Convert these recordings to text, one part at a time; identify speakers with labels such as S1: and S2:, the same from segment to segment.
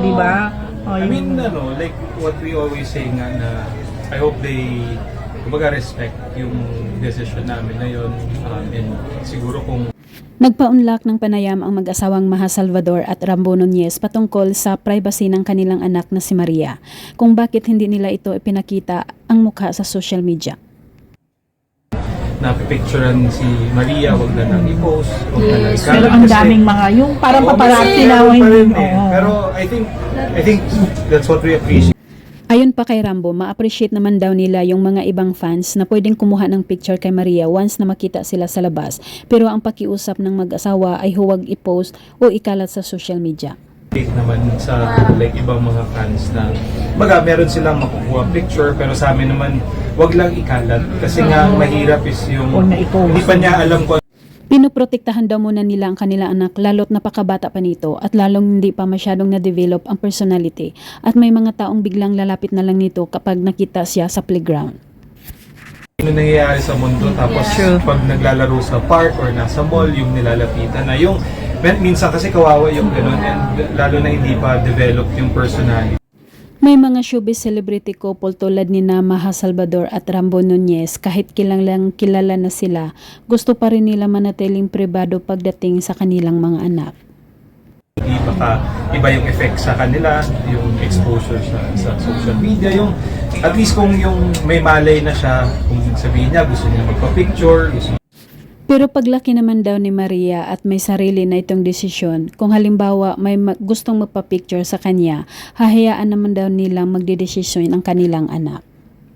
S1: di ba? Oh,
S2: I mean, like what we always say nga na I hope they kumbaga respect yung decision namin na yun. And siguro kung
S3: Nagpaunlak ng panayam ang mag-asawang Maha Salvador at Rambo Nunez patungkol sa privacy ng kanilang anak na si Maria, kung bakit hindi nila ito ipinakita ang mukha sa social media.
S2: napipicturean si Maria, wag na nang i-post, wag na nang
S1: Pero ang daming mga, yung parang paparazzi na.
S2: Pero I think that's what we appreciate.
S3: Ayon pa kay Rambo, ma-appreciate naman daw nila yung mga ibang fans na pwedeng kumuha ng picture kay Maria once na makita sila sa labas. Pero ang pakiusap ng mag-asawa ay huwag i-post o ikalat sa social media.
S2: Naman sa like ibang mga fans na meron silang makukuha picture, pero sa amin naman wag lang ikalat kasi nga mahirap is yung hindi pa niya alam kung
S3: Pinoprotektahan daw muna nila ang kanilang anak lalo't napakabata pa nito at lalong hindi pa masyadong na-develop ang personality at may mga taong biglang lalapit na lang nito kapag nakita siya sa playground.
S2: ano nangyayari sa mundo, tapos pag naglalaro sa park or nasa mall, yung nilalapitan na yung minsan kasi kawawa yung ganun, and lalo na hindi pa develop yung personality.
S3: May mga showbiz celebrity couple tulad ni Maha Salvador at Rambo Nunez, kahit kilalang kilala na sila, gusto pa rin nila manatiling pribado pagdating sa kanilang mga anak.
S2: Hindi baka iba yung effect sa kanila, yung exposure sa social media, yung at least kung yung may malay na siya, kung sabihin niya gusto niya magpa-picture,
S3: Pero paglaki naman daw ni Maria at may sarili na itong desisyon, kung halimbawa may gustong magpa-picture sa kanya, hahayaan naman daw nilang magdedesisyon ang kanilang anak.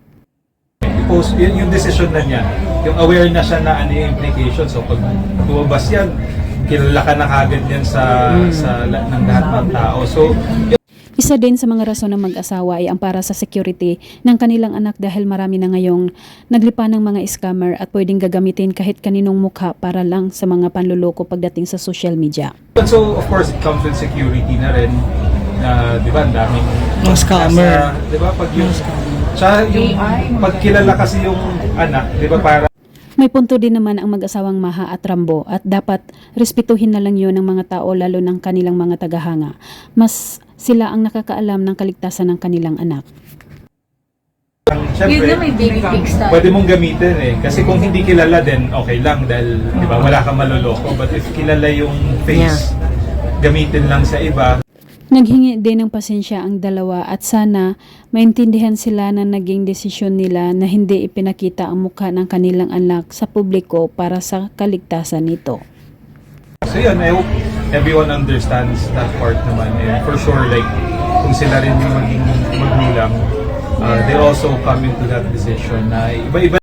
S2: Post yung decision na niya, yung aware na siya na ano yung implications. So pag lumabas yan, kilala ka na kagad yan ng lahat ng tao. So
S3: Isa din sa mga rason ng mag-asawa ay ang para sa security ng kanilang anak dahil marami na ngayong naglipa ng mga scammer at pwedeng gagamitin kahit kaninong mukha para lang sa mga panluloko pagdating sa social media.
S2: So of course it comes with security na rin. Di ba, ang daming
S1: scammer.
S2: Di ba, pag yung pagkilala kasi yung anak, di ba, para
S3: May punto din naman ang mag-asawang Maha at Rambo at dapat respetuhin na lang yun ng mga tao lalo ng kanilang mga tagahanga. Mas sila ang nakakaalam ng kaligtasan ng kanilang anak.
S2: Siyempre,
S4: may baby pics tayo.
S2: pwede mong gamitin kasi kung hindi kilala din, okay lang dahil di ba, wala kang maloloko. But if kilala yung face, gamitin lang sa iba.
S3: Naghingi din ng pasensya ang dalawa at sana maintindihan sila na naging desisyon nila na hindi ipinakita ang mukha ng kanilang anak sa publiko para sa kaligtasan nito.
S2: So yun, I hope everyone understands that part naman. And for sure, like, kung sila rin yung maging magulang, they also come into that decision na iba-iba